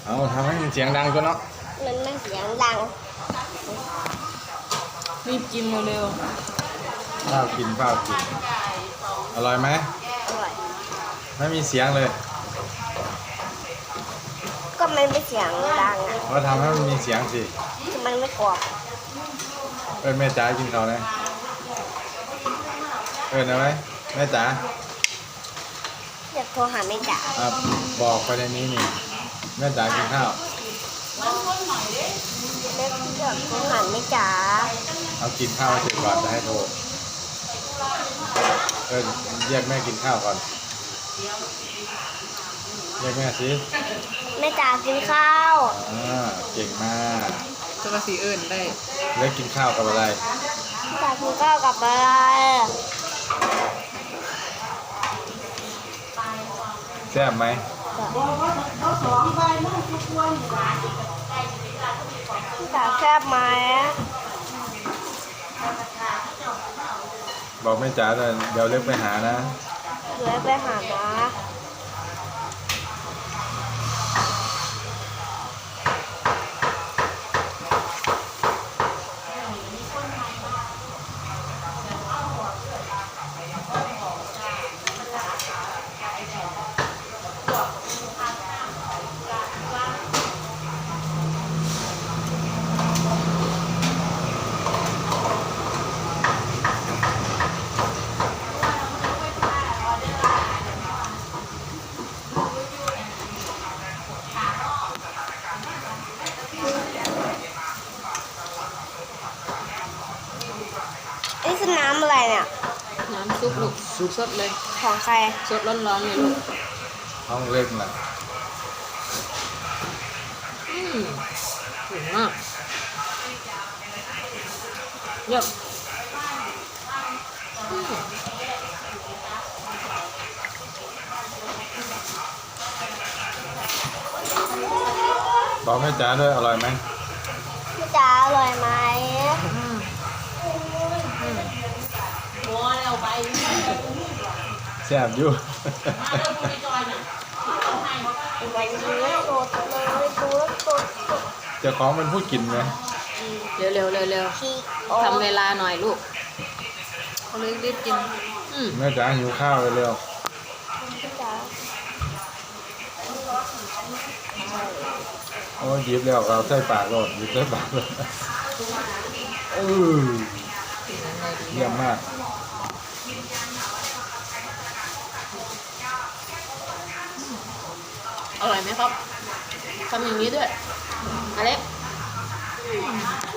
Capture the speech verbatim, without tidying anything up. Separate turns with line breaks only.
เอาทำให้มันเสียงดังก็เนาะ
มันไม่เสียงดัง
รีบกินเร็ว
ข้าวกินข้าวกินอร่อยไหม
อร่อย
ไม่มีเสียงเลย
ก็มันไม่เสียงดังอ่ะ
เราทำให้มันมีเสียงสิ
มันไม่กรอบ
เอิ้นแม่จ๋ากินข้าวนะเอิ้นเอาไหมแม่จ๋า
อยากโทรหาแม่จ๋า
อ่ะบอกไปในนี้นี่แม่จ๋ากินข้าว
เล็กอยากโทรหาแม่จ๋า
เอากินข้าวเสร็จก่อนจะให้โทรเอิ้นเรียกแม่กินข้าวก่อนเรียกแม่สิ
แม่จ๋ากินข้าว
อ่าเก่งมาก
จะมาสีอื่นได้
เล็กกินข้าวกับอะไร
แม่จ๋ากินข้าวกับอะไร
แซ่บไหม
จ๋าแซ่บไหม
บอกแม่จ๋าเลยเดี๋ยวเล็กไปหานะ
เดี๋ยวไปหานะนี่คือน้ำอะไรเนี่ย
น้ำซุปลูกซุปสดเลย
ของใคร
สดร้อนๆเลยลูก
ห้องเล็กนะ
อืมถึงมากเยอะ
บอกแม่จ๋าด้วยอร่อยไหม
แม่จ๋าอร่อยไหม
แซ่บอยู่เจ้าของเป็นผู้กินไหม
เร็วเร็วเร็วเร็วทำเวลาหน่อยลูกเขาเลยรีบกิน
แม่จ๋าหิวข้าวเร็วโอ้หยิบแล้วเราใส่ปากโลดหยิบใส่ปากเลยเออเยี่ยมมาก
อร่อยไหมครับทำอย่างนี้ด้วยอเล็ก